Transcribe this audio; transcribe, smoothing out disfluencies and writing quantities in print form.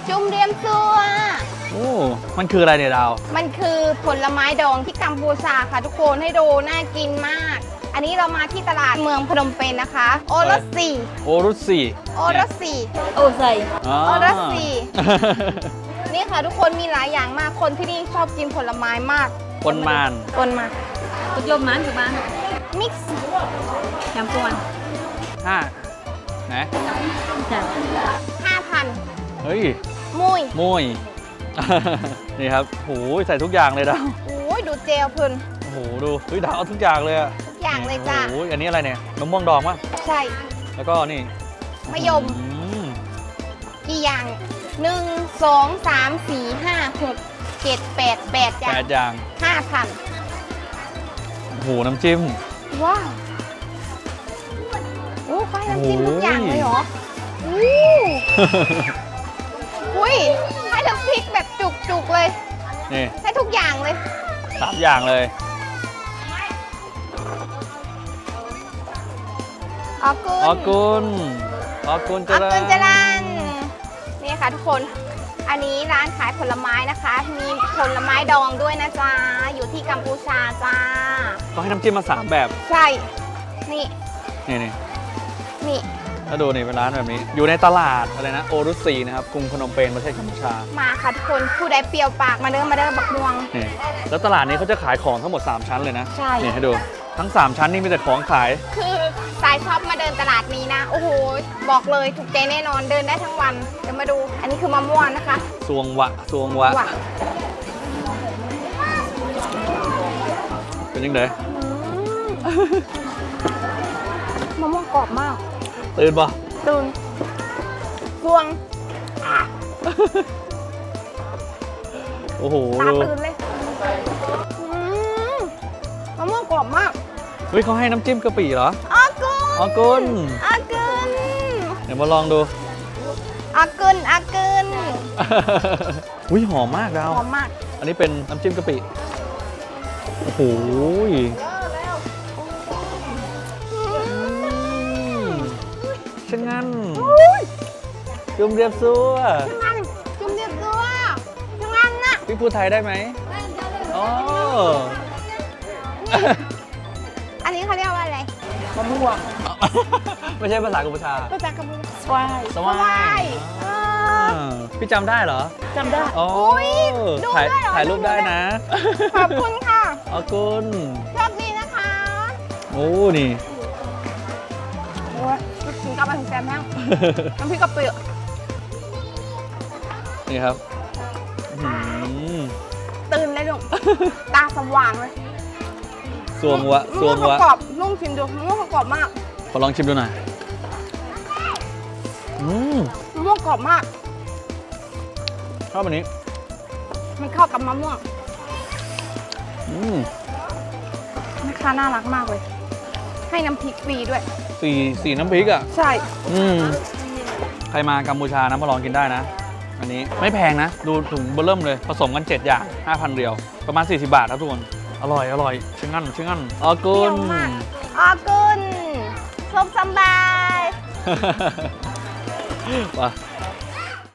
จุ่มเรียมซัวโอ้มันคืออะไรเนี่ยดาวมันคือผลไม้ดองที่กัมพูชาค่ะทุกคนให้ดูน่ากินมาก อันนี้เรามาที่ตลาดเมืองพนมเปญนะคะ โอรสสีโอรุสีโอรสสีโอ้ใส่อ๋อโอรสสี นี่ค่ะทุกคนมีหลายอย่างมาก คนที่นี่ชอบกินผลไม้มากคนมานคนมาตุกยมมันถูกบ้านมิกซ์แคมปวนห้านะจ้ะ 5,000 เฮ้ยมุยมุย นี่ครับโหใส่ทุกอย่างเลยดาวโอ้ยดูเจลเพิ่นโอ้โหดูเฮ้ยดาวเอาทุกอย่างเลยอะทุกอย่างเลยจ้ะโอ้โหอันนี้อะไรเนี่ยมะม่วงดองป่ะใช่แล้วก็นี่มะยมอืมกี่อย่าง 1 2 3 4 5 6 7 8 8อย่าแปงดอย่าง 5,000 โอ้โหน้ำจิ้มว้าวโอ้ค่อยน้ำจิ้มทุกอย่างเลยเหรออู้อุ้ยให้น้ำพริกแบบจุกๆเลยนี่ให้ทุกอย่างเลย 3 อย่างเลยออกุนออกุนออกุนออเจริญกุนจรันนี่ค่ะทุกคน อันนี้ร้านขายผลไม้นะคะ มีผลไม้ดองด้วยนะจ๊ะ อยู่ที่กัมพูชาจ้าเขาให้น้ำจิ้มมา 3 แบบใช่ นี่นี่นี่นี่ถ้าดูนี่เป็นร้านแบบนี้ อยู่ในตลาดอะไรนะโอรุสีนะครับกรุงพนมเปญประเทศกัมพูชามาค่ะทุกคน ผู้ใดเปรี้ยวปากมาเด้อบักม่วงนี่แล้วตลาดนี้เขาจะขายของทั้งหมด 3 ชั้นเลยนะใช่นี่ให้ดูทั้ง 3 ชั้นนี่มีแต่ของขายคือสายชอบมาเดินตลาดนี้นะ โอ้โห บอกเลยถูกใจแน่นอน เดินได้ทั้งวัน เดี๋ยวมาดู อันนี้คือมะม่วงนะคะซวงวะซวงวะว้าวเป็นยังไงมะม่วงกรอบมากตื่นปะตื่นพวงโอ้โหตาดูตื่นเลยอืมมะม่วงกรอบมากเฮ้ยเขาให้น้ำจิ้มกะปิเหรออากุนออกุนอากุนเดี๋ยวมาลองดูอากุนอากุนอุ้ยหอมมากดาวหอมมากอันนี้เป็นน้ำจิ้มกะปิ โอ้โหช่างงั้นจุ่มเรียบซัวช่างงั้นจุ่มเรียบตัวช่างงั้นน่ะพี่พูดไทยได้ไหมอ๋ออันนี้เขาเรียกว่าอะไรมะม่วงไม่ใช่ภาษากัมพูชาภาษากัมพูชาสวายสวายพี่จำได้เหรอจำได้อ๋อยดูถ่ายได้เหรอถ่ายรูปได้นะขอบคุณค่ะอ๋อกุนโชคดีนะคะโอ้นี่โอ้ยถึงกลับมาถึงแซมแห้งน้ำพริกกะปินี่ครับอื้อหือตื่นเลยลูก ตาสว่างเลยสวงวะสวงมะม่วะวงกรอบนุ่มชิมดูมะม่วงกรอบมากขอลองชิมดูหน่อยอืมมะม่วงกรอบมากชอบอันนี้มันเข้ากับมะม่วงอืมแม่ค้าน่ารักมากเลย ให้น้ำพริกฟรีด้วยสีน้ำพริกอ่ะใช่อืมใครมากัมพูชานะมาลองกินได้นะ อันนี้ไม่แพงนะ ดูถุงเบอร์เริ่มเลย ผสมกัน 7 อย่าง 5,000 เรียว ประมาณ 40 บาทครับทุกคน อร่อย อร่อยชื่องั้นชื่องั้นออกุเปรี้ยนวมากอากุนชมสำบายว่ะ